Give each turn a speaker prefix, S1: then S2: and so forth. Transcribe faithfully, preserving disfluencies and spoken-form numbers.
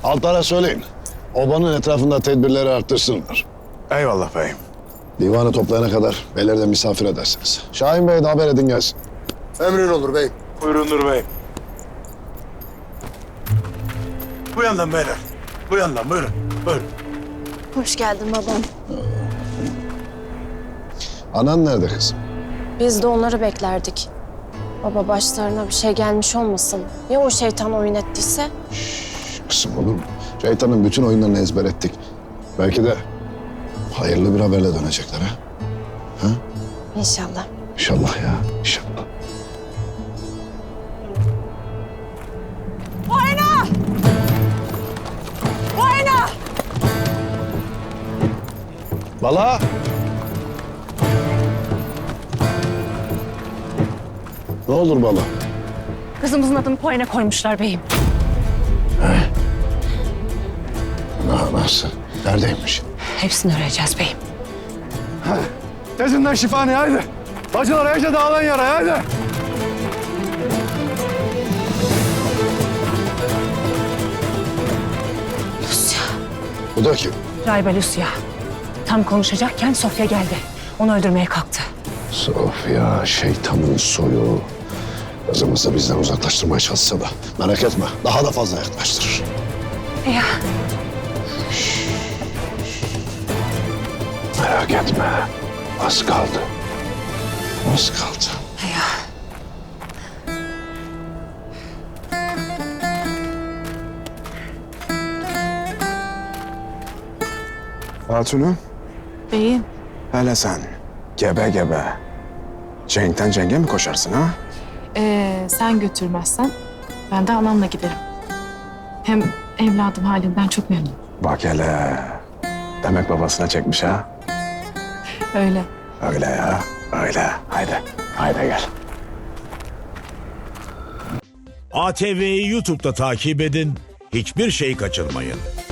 S1: Altlara söyleyin. Obanın etrafında tedbirleri arttırsınlar.
S2: Eyvallah beyim.
S1: Divanı toplayana kadar beyler de misafir edersiniz. Şahin Bey'e de haber edin gelsin.
S3: Emrin olur beyim.
S2: Buyurundur beyim. Bu yandan beyler. Bu yandan buyurun. Buyurun.
S4: Hoş geldin babam.
S1: Anan nerede kızım?
S4: Biz de onları beklerdik. Baba başlarına bir şey gelmiş olmasın. Ya o şeytan oyun ettiyse?
S1: Kızım olur mu? Şeytanın bütün oyunlarını ezber ettik. Belki de hayırlı bir haberle dönecekler ha? Ha?
S4: İnşallah.
S1: İnşallah ya, inşallah.
S4: Oyna! Oyna!
S1: Bala! Ne olur Bala?
S5: Kızımızın adını Poyena koymuşlar beyim.
S1: Na, nasıl? Neredeymiş?
S5: Hepsini öğreneceğiz beyim.
S2: Tezinden şifaneye haydi. Bacılar iyice dağılan yara haydi.
S5: Lucia.
S1: Bu da kim?
S5: Rayba Lucia. Tam konuşacakken Sofya geldi. Onu öldürmeye kalktı.
S1: Sofya, şeytanın soyu. Kızımızı bizden uzaklaştırmaya çalışsa da merak etme, daha da fazla yaklaştırır.
S5: Ya
S1: Merak etme, az kaldı. Az kaldı.
S5: ya.
S2: Hatunu,
S5: Beyim.
S2: hele sen gebe gebe cenkten cenge mi koşarsın ha?
S6: Ee, sen götürmezsen ben de anamla giderim. Hem evladım halinden çok memnun.
S2: Bak hele. Demek babasına çekmiş ha?
S6: Öyle.
S2: Öyle ya, öyle. Haydi, haydi gel.
S7: A T V'yi YouTube'da takip edin, hiçbir şey kaçırmayın.